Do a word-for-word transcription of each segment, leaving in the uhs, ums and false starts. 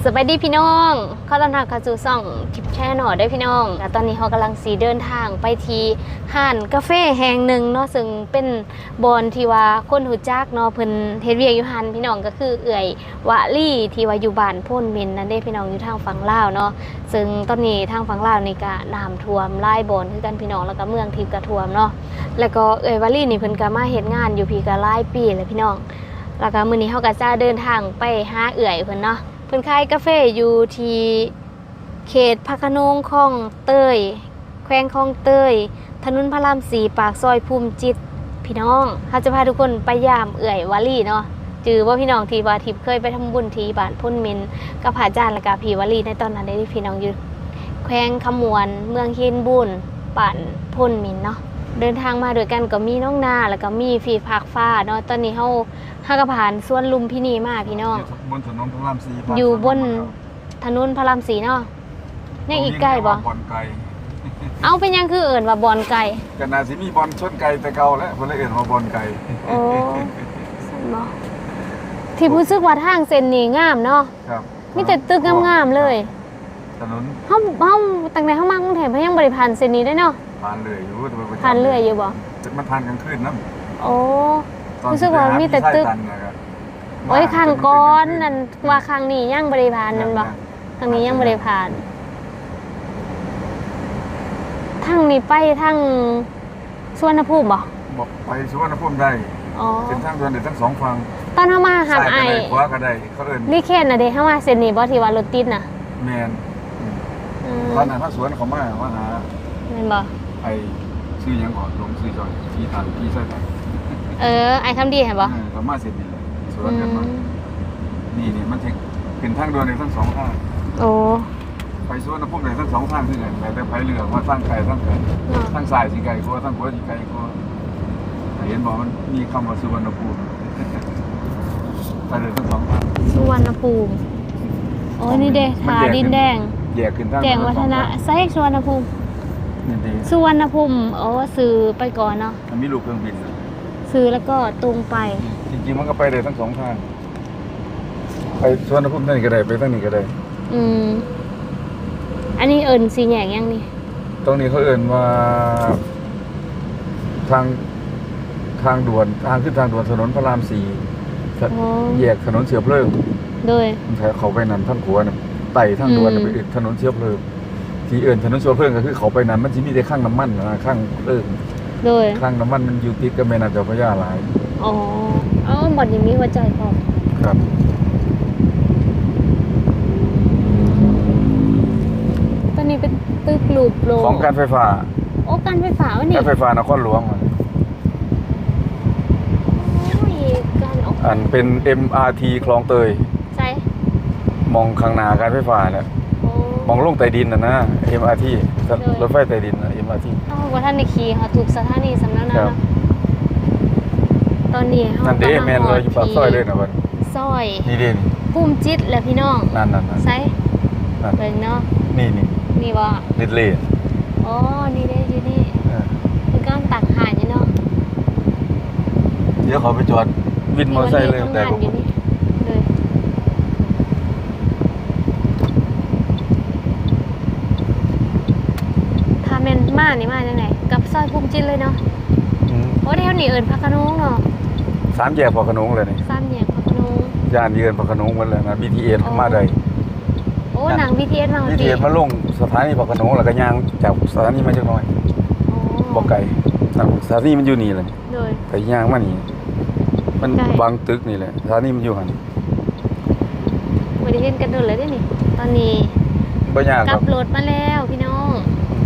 สวัสดีพี่น้องเข้าตามทางคาจูซ่องทิปแช่หน่อยได้พี่น้องแต่ตอนนี้เขากำลังสีเดินทางไปที่ห้านกาแฟแห่งหนึ่งเนาะซึ่งเป็นบอนที่ว่าคนหูจักเนาะเพิ่นเฮ็ดเวียกอยู่หันพี่น้องก็คือเอื่อยวะลี่ที่ว่าอยู่บ้านโพ่นเมนนั่นเด้พี่น้องอยู่ทางฝั่งลาวเนาะซึ่งตอนนี้ทางฝั่งลาวนี่ก็น้ำท่วมหลายบอนคือกันพี่น้องแล้วก็เมืองทิพย์ก็ท่วมเนาะแล้วก็เอื่อยวะลี่นี่เพิ่นก็มาเฮ็ดงานอยู่พี่ก็หลายปีแล้วพี่น้องแล้วก็มื้อนี้เฮาก็จะเดินทางไปหาเอื่อยเพิ่นเนาะเพิ่นขายกาแฟอยู่ที่เขตพระโขนงคลองเตยแขวงคลองเตยถนนพระรามสี่ปากซอยภูมิจิตพี่น้องเขาจะพาทุกคนไปยามเอื่อยวาลีเนาะจือว่าพี่น้องที่ว่าทิพย์เคยไปทำบุญที่บ้านพุ่นมินกับพระอาจารย์และกับพี่วาลีในตอนนั้นได้พี่น้องอยู่แขวงขมวนเมืองเฮียนบุญบ้านพุ่นมินเนาะเดินทางมาด้วยกันก็มีน้องนาแล้วก็มีฟีภาคฟ้าเนาะตอนนี้เฮาห้ากระผ่านสวนลุมพินีมาพี่น้องบนถนนพระรามสี่อยู่บนถนนพระรามสี่เนาะยังอีกใกล้บ่บอลไก่เอาเป็นยังคือเอิ่นว่าบอลไก่กันนาสิมีบอลชนไก่แต่เก่าแล้วเพิ่นเลยเอิ่นว่าบอลไก่โอ้ซั่นบ่ที่รู้สึกว่าทางเส้นนี้งามเนาะครับมีแต่ตึกงามๆเลยถนนเฮาเฮาตั้งแต่เฮามากรุงเทพเฮายังบ่ได้ผ่านเส้นนี้ได้เนาะผ่านเลยอยู่แต่ผ่านเรื่อยอยู่บ่มันผ่านกลางคืนนำโอ้รู้สึกว่ามีแต่ตึกโอ้ยครั้งก่อนนั่นว่าครั้งนี้ยังบ่ได้ผ่านนั่นบ่ครั้งนี้ยังบ่ได้ผ่านทางนี้ไปทางสุวรรณภูมิบ่บ่ไปสุวรรณภูมิได้อ๋อเป็นทางด่วนได้ทั้งสองฝั่งตอนเฮามาหาไอ้ขวาก็ได้เขาเอิ้นนี่เขตน่ะเด้เฮามาเส้นนี้บ่ที่ว่ารถติดน่ะแม่นตอนนั้นถ้าสวนเขามามาหาแม่นบ่ไอ้ชื่อหยังก่อนลงชื่อจอยที่ทางที่ใช่ป่ะเออไอ้คำดีเห็นบ่เออเขามาเสร็จนี่สวนกันมานี่นี่มันเป็นทางด่วนได้ทั้งสองทางโอ้ไปสวนน้ำพุ่มได้ทั้งสองทางคือกันแต่ไปเรือว่าทางไกลทางไกลทางสายสิไกลกว่าทางขวาสิไกลกว่าเห็นบอกมันมีคำว่าสุวรรณภูมิไปเลยทั้งสองทางสุวรรณภูมิโอ้นี่เด้ผาดินแดงแยกขึ้นทางแจ้งวัฒนะไซส์สุวรรณภูมินี่ดีสุวรรณภูมิโอ้ซื้อไปก่อนเนาะมันมีลูกเครื่องบินซื้อแล้วก็ตรงไปจริงๆมันก็ไปได้ทั้งสองทางไปสุวรรณภูมิทางนี้ก็ได้ไปทางนี้ก็ได้อืมอันนี้เอิญสีแหงยังนี่ตรงนี้เขาเอิญว่าทางทางด่วนทางขึ้นทางด่วนถนนพระรามสี่แยกถนนเชื้อเพลิงโดยเขาไปนั่นทางขวาเนี่ยไต่ทางด่วนไปถนนเชื้อเพลิงที่เอิญถนนเชื้อเพลิงก็คือเขาไปนั่นมันจะมีแต่ข้างน้ำมันนะข้างเพลิงโดยข้างน้ำมันมันอยู่ติดกับแม่น้ำเจ้าพระยาหลายอ๋อเอ้าหมดนี้มีหัวใจพอครับตอนนี้เป็นตึกลูปโลของการไฟฟ้าโอ้การไฟฟ้าวะนี่การไฟฟ้านครหลวงอันเป็น เอ็ม อาร์ ที คลองเตยใช่มองข้างหน้าการไฟฟ้าเนี่ยมองลงใต้ดินน่ะนะ เอ็ม อาร์ ที รถไฟใต้ดินน่ะ เอ็ม อาร์ ทีอ้าวว่าท่านในขี่ค่ะถูกสถานีสำนักนะตอนนี้เฮานั่นเด้แม่นเลยอยู่ปากซอยเลยนะบัดซอยนี่เด้ภูมิจิตและพี่น้องนั่นๆๆใช่เบิ่งเนาะนี่ๆนี่บ่นิดเลยอ๋อนี่เด้อยู่นี่เออคือกำลังตักหาอยู่เนาะเดี๋ยวขอไปจอดวินมอเตอร์ไซค์เลยแต่ผมเลยถ้าแม่นมานี่มาจังได๋กับซอยภูมิจิตเลยเนาะอือโอ้แถวนี้เอิ้นพระโขนงเนาะสามแยกพระโขนงเลยนี่สามแยกพระโขนงย่านเยือนพระโขนงหมดเลยนะ บี ที เอส มาได้โอ้หนัง บี ที เอส มาบี ที เอส มาลงสถานีพระโขนงแล้วก็ย่างจากสถานีมาจักหน่อยบ่ไกลสถานีมันอยู่นี่แหละไปย่างมานี่มันบางตึกนี่แหละสถานีมันอยู่หั่นบ่ได้เห็นกันโดนเลยเด้นี่ตอนนี้บ่ยากครับกลับรถมาแล้วพี่น้อง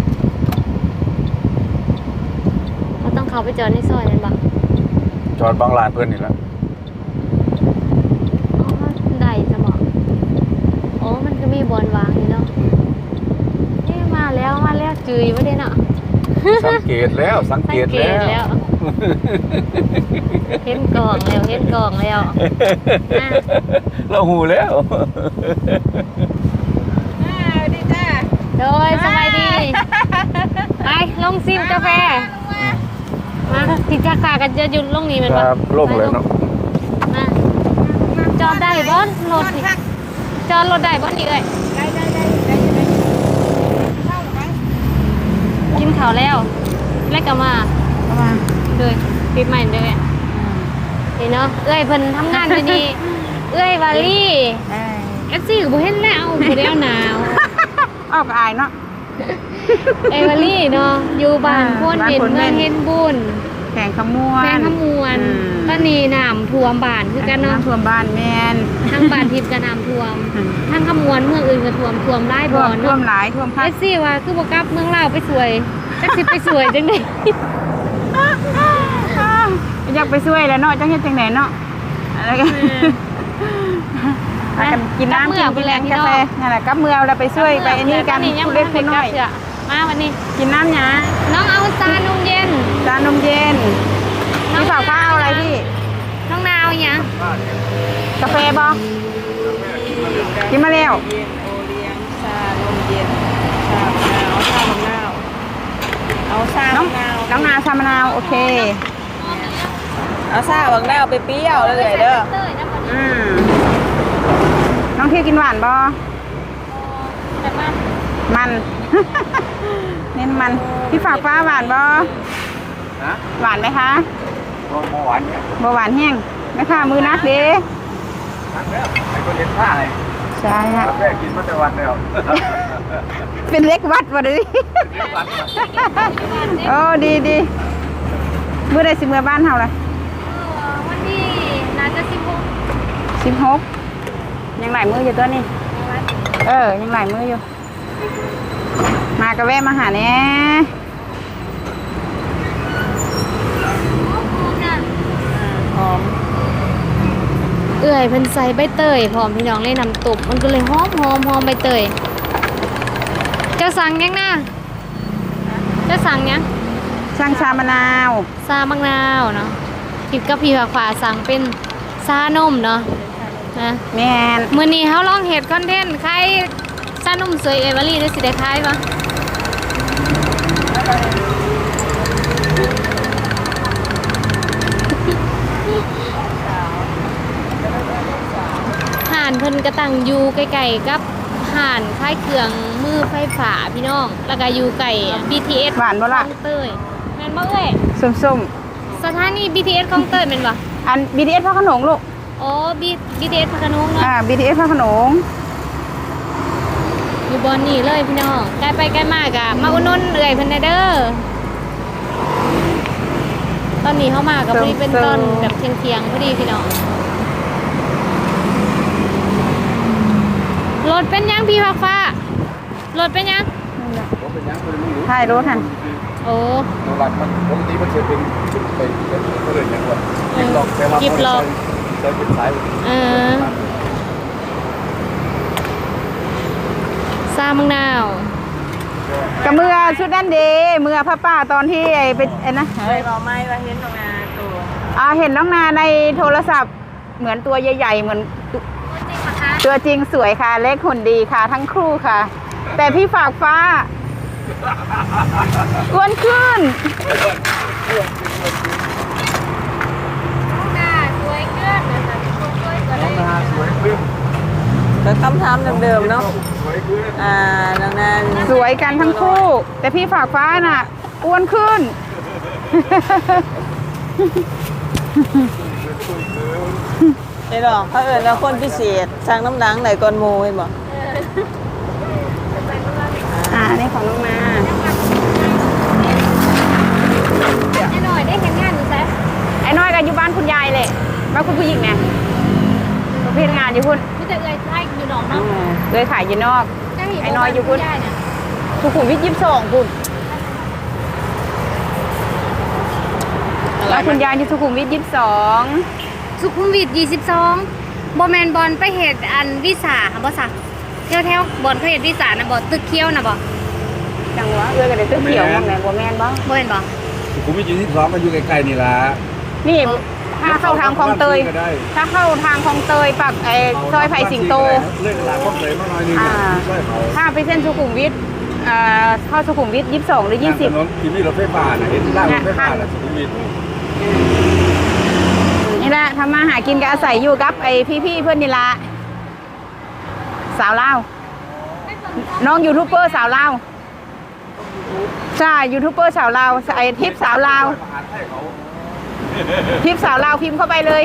เราต้องเข้าไปจอดในซอยนั่นบ่จอดบางลานเพิ่นนี่แหละอ๋อได้ซะบ่โอ้มันก็มีบอนวางอยู่เนาะนี่มาแล้วมาแล้วจื้อบ่ได้เนาะสังเกตแล้วสังเกตแล้วเห็นกล่องแล้วเห็นกล่องแล้วเราหูแล้วดีจ้าโดยสบายดีไปลงซิมกาแฟมาที่จักรากันจะหยุดลงนี้มันครับลงเลยเนาะมาจอดได้บอสรถจอดรถได้บ่นี่เอ้ยได้ได้ได้ได้ได้เข้าหรือไหมกินข้าวแล้วแล้วก็มาเข้ามาเลยปิดใหม่เลยนี่เนาะเอ้ยเพิ่นทำงานอยู่นี่ เอ้ยวาลี่เอ้ยเอฟซีก็บ่เห็นแล้วบ่ได้เอาหนาวออกอายเนาะเอ้ยวาลี่เนาะอยู่บ้านโพนเห็นบ้านโพนเมืองเม่นเห็นบุญแข่งขมวนแฟนขมวนอืมตอนนี้น้ำท่วมบ้านคือกันเนาะท่วมบ้านแมนทั้งบ้านทิพย์ก็น้ำท่วมอืมทั้งขมวนเมืองอื่นก็ท่วมท่วมหลายท่บ่วอมท่วเนาะมหลายท่วมพัเอดฟซีว่าคือบ่กลับเมืองลาวไปสวยจักสิไปสวยจังได๋อยากไปช่วยแล้วเนาะจังเฮ็ดจังไหนเนาะอะไรกันไปกันกินน้ำกินกินแรงกาแฟนั่นแหละกับเมือเราไปช่วยไปอันนี้กันผู้เล็กผู้น้อยมาวันนี้กินน้ำหยาน้องเอาซานมเย็นจานนมเย็นพี่ฝากฟ้าเอาอะไรพี่น้องนาวหยังกาแฟบอกินมาแล้วเย็นโอเลี้ยงชานมเย็นชามะนาวชามะนาวเอาชาน้องมะนาวน้องนาชามะนาวโอเคเอาชาบังนาวไปเปรี้ยวเลยเด้อเต้ยนะวันนี้อืมน้องเที่ยวกินหวานบอแต่ว่ามัน เน้นมันพี่ฝากฟ้าหวานบอนะหวานไหมคะโมหวานเนี่ยบหวานแห้งไหมคะมือนักเด้ทั้งแล้วไอ้คนเลี้ยงผ้าเลยใช่ฮะกาแฟกินมาแต่วันแล้วเป็นเล็กวัดวะดิ โอ้ดีดีเมื่อใดสิเมื่อบ้านเฮาล่ะวันนี้น่าจะสิบหกสิบหกยังหลายมืออยู่ตัวนี้ เออ ยังหลายมืออยู่ มากระแวะมาหาแหน่หอมเอื่อยเพิ่นใส่ใบเตยพร้อมพี่น้องเลยนำตุบมันก็เลยหอมหอมหอมใบเตยเจะสั่งยังนะเจะสั่งยังช่างชามะนาวซามังนาวเนาะทิพย์กับพี่ฝากฝาสั่งเป็นซานมเนาะนะแมนมื้อนี้เฮาลองเฮ็ดคอนเทนต์ขายซานมสวยเอเวอรี่ได้สิได้ขายปะห่านเพิ่นก็ตั้งอยู่ใกล้ๆกับห่านคล้ายเครื่องมือไฟฟ้าพี่น้อง แล้วก็อยู่ใกล้ บี ที เอสหวานบ่ล่ะคลองเตยแม่นบ่เอ้ยส้มสถานี บี ที เอส คลองเตยแม่นบ่ๆ อัน บี ที เอส พระโขนงลูกอ๋อ บี บี ที เอส พระโขนงเนาะอ่า บี ที เอส พระโขนงอยู่บอนนี่เลยพี่น้องใกล้ไปใกล้มากอะมาอุดหนุนเอื่อยเพิ่นได้เด้อตอนนี้เข้ามากับพอดีเป็นต้นแบบเทียงๆพอดีพี่น้องรถเป็นยังพี่ฟ้าฟ้ารถเป็นยังผมเป็นยังคนไม่รู้ถ่ายรถหันโอ้ตัวหลักมันปกติมันจะเป็นชุดไปเป็นเรื่องอย่างว่ากิบล็อกแต่ว่าใช้เป็นสายเออซามังนาวกับเมื่อชุดนั้นเดเมื่อพระป้าตอนที่ไอ้ไปไอ้นะเฮ้ยบอกไม่ว่าเห็นตรงนาตัวอ่าเห็นน้องนาในโทรศัพท์เหมือนตัวใหญ่ๆ เหมือนจริงปะคะตัวจริงสวยค่ะ เล็กหุ่นดีค่ะ ทั้งคู่ค่ะ แต่พี่ฝากฟ้าอ้วนขึ้นน่าสวยเกินนะคะสวยกว่าน้องนาสวยขึ้นแต่คำถามเดิมๆเนาะสวยขึ้นอ่าน้องนานสวยกันทั้งคู่ แต่พี่ฝากฟ้าน่ะอ้วนขึ้นไอ้ดอกเขาเอิญว่าคนพิเศษสร้างน้ำหนังไหนก่อนโมยบอกอ่านี่ของน้องนาแน่หน่อยได้เห็นงานอยู่แซ่ไอ้น้อยกับอยู่บ้านคุณยายเลยบ้านคุณผู้หญิงเนี่ยประเภทงานอยู่พุ่นมีแต่เอ่ยไล่อยู่หนองเนาะเลยขายอยู่นอกใกล้เห็ไอ้น้อยอยู่พุ่นได้เนี่ยสุขุมวิทยี่สิบสองพุ่นบ้านคุณยายอยู่สุขุมวิทยี่สิบสองสุขุมวิทยี่สิบสองบอแมนบอลไปเหตุอันวิสาค่ะบอสักเที่ยวแถวบอลเขาเหตุวิสานะบอตึกเคี้ยวนะบอจังหวะเอื้อกันเลยเสื้อเขียวมองไหนบัวแมนบ้างบอเห็นบอสุขุมวิทยี่สิบสองมันอยู่ใกล้ๆนี่ล่ะนี่ถ้าเข้าทางคลองเตยก็ได้ถ้าเข้าทางคลองเตยปักไอ้ซอยไผ่สิงโตเลิกหลาคลองเตยมาหน่อยนึงช่วยเขาถ้าไปเส้นสุขุมวิทเอ่อเข้าสุขุมวิทยี่สิบสองหรือยี่สิบถนนที่มีรถไฟฟ้าน่ะเห็นล่างรถไฟฟ้าน่ะสุขุมวิทนี่แหละทำมาหากินกับอาศัยอยู่กับไอ้พี่ๆเพื่อนนี่ละสาวลาวน้องยูทูบเบอร์สาวลาวใช่ยูทูบเบอร์สาวลาวไอทิปสาวลาวทิปสาวลาวพิมพ์เข้าไปเลย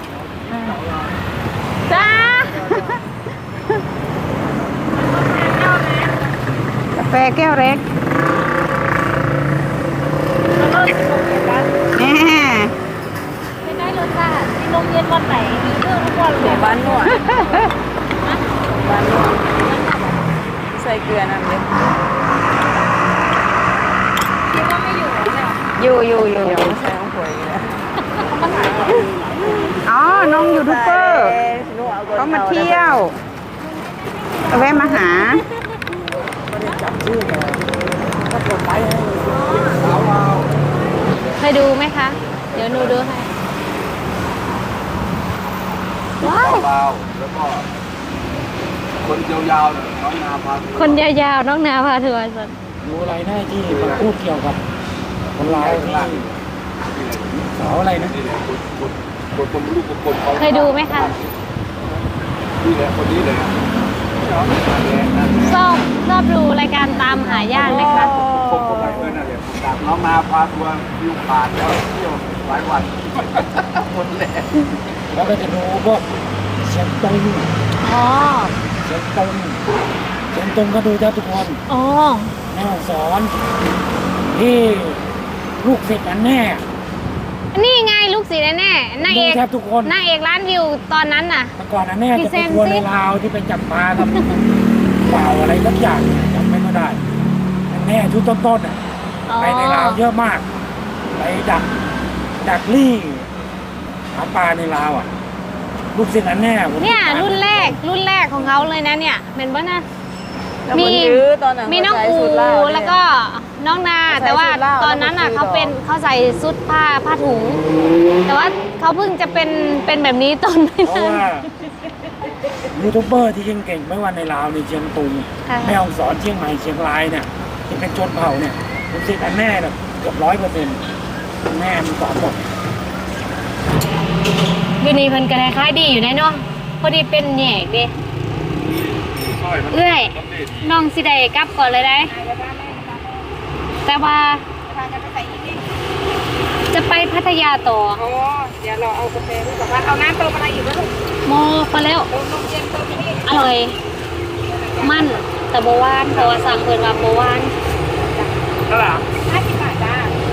จ้ากาแฟแก้วเล็กแหมเป็นได้รสชาติที่โรงเรียนวันไหนมีเรื่องทุกวันเลเดี๋ยยวบ้านนวดบ้านนวดใส่เกลือน้ำเย็นคิดว่าไม่อยู่เนี่ยอยู่อยู่อยู่อยู่ใส่ของข่อยอยู่แล้วอ๋อน้องยูทูบเบอร์เขามาเที่ยวเอาแวะมาหาเคยดูไหมคะ เดี๋ยวหนูดูให้ว้าวเบาๆแล้วก็คนยาวๆเนี่ยน้องนาพาคนยาวๆน้องนาพาทัวร์สันดูอะไรหน้าที่มาพูดเกี่ยวกับคนร้ายที่ล่างสาวอะไรนะนี่แหละคนคนคนคนลูกคนเขาเคยดูไหมคะนี่แหละคนนี้เลยนั่นแหละนั่นแหละชอบชอบดูรายการตามหาญาติไหมคะผมก็ไปเพื่อนนั่นแหละผมตามน้องนาพาทัวร์วิวผ่านแล้วเที่ยวหลายวันคนแหละแล้วก็จะดูพวกเชียงตุงอ๋อเชียงตุงเชียงตุงก็ดูแทบทุกคนอ๋อแม่สอนที่ลูกศิษย์อันแน่นี่ไงลูกศิษย์แน่ๆนางดูเอกแทบทุกคนนางเอกร้านวิวตอนนั้นน่ะเมื่อก่อนอันแน่พี่จะเซไปนทัวร์ซิในลาวที่ไปจับปลากับเปล่าอะไรสักอย่างจำไม่ค่อยได้อันแน่ชุดต้นๆอ่ะอ๋อไปในลาวเยอะมาก ไปดักดักลี่หาปลาในลาวอ่ะ ลูกศิษย์อันแน่ผมเนี่ยติดตามรุ่นแรกรุ่นแรกของเขาเลยนะเนี่ยเป็นป่ะนะมีมีตอนนั้นมีน้องเขาอูใส่สูทลาวเนี่ยแล้วก็น้องนาเขาใส่แต่ว่าสูทลาวตอนนั้นอ่ะแล้วก็เขาเป็นสีดอกเขาใส่ชุดผ้าผ้าถุง แต่ว่าเขาเพิ่งจะเป็นเป็นแบบนี้ตอนไม่เพราะนานว่ายูทูบเบอร์ที่เก่งๆไม่ว่าในลาวในเชียงตุงค่ะแม่ฮ่องสอนเชียงใหม่เชียงรายเนี่ยที่เป็นชนเผ่าเนี่ยลูกศิษย์อันแน่เนี่ยเกือบร้อยเปอร์เซ็นต์แม่มันสอนหมดอยู่นี่เพิ่นก็คล้ายๆดีอยู่แน่เนาะพอดีเป็นแหนกเด้สร้อยมันเอื้อยมันเด็ดน้องสิได้กลับก่อนเลยได้ แต่ว่าจะไปพัทยาต่อโอ้เดี๋ยวเราเอากาแฟดูก่อนว่าเอาน้ำเติมอะไรอีกไหมลูกโมไปแล้วเติมนมเย็นเติมนี่อร่อย มั่นแต่โบหวานเพราะว่าสั่งเพิ่นว่าโบหวานนั่นแหละห้าสิบบาทจ้า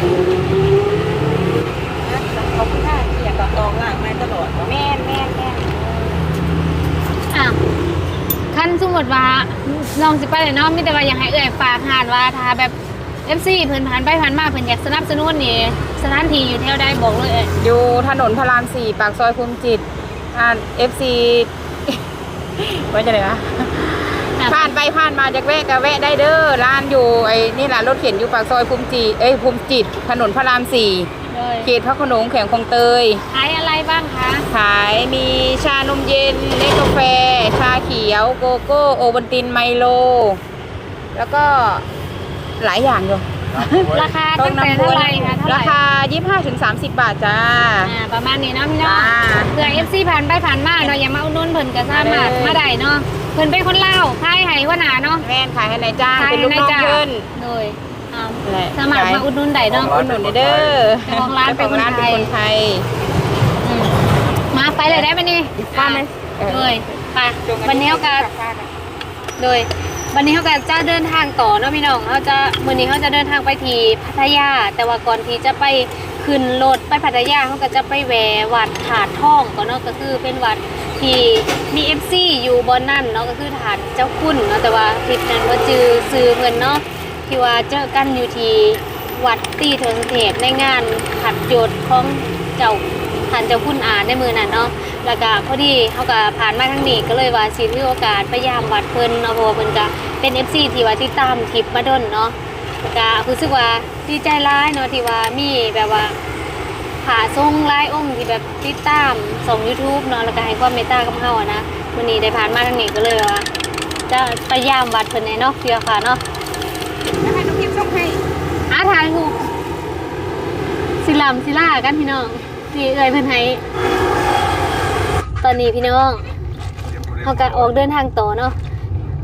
ขอบคุณค่ะเกียรติตองล่างไม่ตลอดแม่นแม่นแม่นอ่ะคันสมมุติว่าลองสิไปเลยเนาะมีแต่ว่าอยากให้เอ่ยฝากหานว่าถ้าแบบ เอฟ ซี เพิ่นผ่านไปผ่านมาเพิ่นอยากสนับสนุนนี่สถานที่อยู่แถวใดบอกเลยเอ่ยอยู่ถนนพระรามสี่ปากซอยภูมิจิตอ่าเอฟซีไว้จะไหนคะผ่านไปผ่านมาจากแวะก็แวะได้เด้อร้านอยู่ไอ้นี่แหละรถเข็นอยู่ปากซอยภูมิจิตเอ้ยภูมิจิตถนนพระรามสี่เลยเขตพระโขนงแขวงคลองเตยขายอะไรบ้างคะขายมีชานมเย็นเนสกาแฟ ชาเขียวโกโก้โอวัลตินไมโล แล้วก็หลายอย่างอยู่ราคาตั้งแต่เท่าไหร่คะเท่าไหราร่คา ยี่สิบห้าถึงสามสิบ บาทจ้าอ่าประมาณนี้เนาะพี่น้องจ้าเผื่อ เอฟ ซี ผ่านไปผ่านมาเนาะอย่ามาอุดหนุนเพิ่นก็สามารถได้เลยมาได้เนาะเพิ่นเป็นคนลาวขายให้หัวหน้าเนาะแม่นขายให้นายจ้างขายเป็นให้ลูกนายน้องจ้างเพิ่นโดยอ่าแหละสามารถมาอุดหนุนได้เนาะอุดหนุนเด้อเจ้าของร้านเป็นคนไทยจ้าของร้านเป็นคนไทยอืมมาไปเลยได้ไหมนี่มาไหมเลยไปวันนี้เขาก็โดยวันนี้เขาก็จะเดินทางต่อเนาะพี่น้องเขาจะวันนี้เขาจะเดินทางไปที่พัทยา แต่ว่าก่อนที่จะไปขึ้นรถไปพัทยาเขาก็จะไปแวะวัดถาดทองก่อนเนาะก็คือเป็นวัดที่มี เอฟ ซี อยู่บนนั่นเนาะก็คือถาดเจ้าคุณเนาะแต่ว่าคลิปนั้นว่าจือซื้อเงินเนาะที่ว่าเจอกันอยู่ที่วัดตีโทสเทศในงานขัดโยดของเจ้าท่านเจ้าคุณอาในมือนั่นเนาะแล้วก็พอดีเขาก็ผ่านมาทางนี้ก็เลยว่าสิถือโอกาสไปยามวัดเพิ่นเนาะเพราะว่าเพิ่นก็เป็น เอฟ ซี ที่ว่าติดตามคลิปมาดนเนาะก็รู้สึกว่าดีใจร้ายเนาะที่ว่ามีแบบว่าผาทรงหลายองค์ที่แบบติดตามส่ง YouTube เนาะแล้วก็ให้ความเมตตากับเฮาอะนะวันนี้ได้ผ่านมาทางนี้ก็เลยว่าจะไปยามวัดเพิ่นแน่เนาะเพื่อค่ะเนาะแล้วให้น้องพิมพ์ส่งให้อาถ่ายรูปสิลำสิล่ากันพี่น้องนี่เอ่ยเพิ่นให้ตอนนี้พี่น้องเขาก็ออกเดินทางต่อเนาะ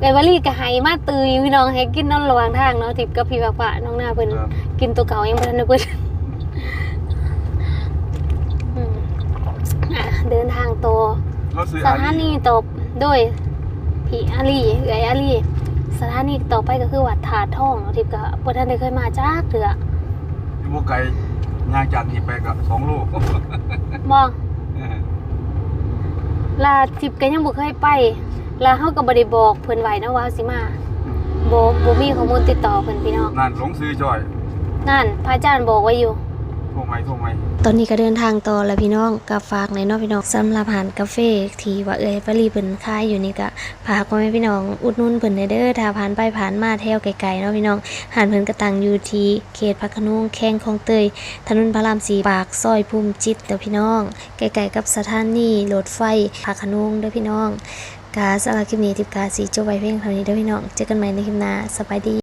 เอ้ยวลีก็ให้มาตืออยู่พี่น้องให้กินนอนระหว่างทางเนาะทิพย์กับพี่ปะปะน้องหน้าเพิ่นครับกินตัวเก่ายังบ่ทันได้เพิ่นอืมอ่ะเดินทางต่อเราซื้อสอาถาลีนีต่อโดยพี่อาลีเอ๋ยอาลีสถานีต่อไปก็คือวัดถาดทองเนาะทิพย์ก็บ่ทันได้เคยมาจักเทื่ออยู่บ่ไกลย่างจากนี่ไปก็สองโลบ่ลาทิพย์ก็ยังบ่เคยไปลาเฮาก็บ่ได้บอกเพิ่นไว้นะว่าสิมาบ่บ่มีข้อมูลติดต่อเพิ่นพี่น้องนั่นหลงซื้อจ้อยนั่นพระอาจารย์บอกไว้อยู่โทรไหมโทรไหมตอนนี้ก็เดินทางต่อแล้วพี่น้องก็ฝากในเนาะพี่น้องสำหรับอาหารกาแฟที่ว่าเอ้ยปรีเพิ่นขายอยู่นี่ก็ฝากไว้ให้พี่น้องอุดหนุนเพิ่นเด้อถ้าผ่านไปผ่านมาแถวไกลๆเนาะพี่น้องอาหารเพิ่นก็ตั้งอยู่ที่เขตพระโขนงแข้งคลองเตยถนนพระรามสี่ปากซอยภูมิจิตเด้อพี่น้องใกล้ๆกับสถานีรถไฟพระโขนงเด้อพี่น้องกาสำหรับคลิปนี้ทิพย์กาสีจบไว้เพียงเท่านี้เด้อพี่น้องเจอกันใหม่ในคลิปหน้าสบายดี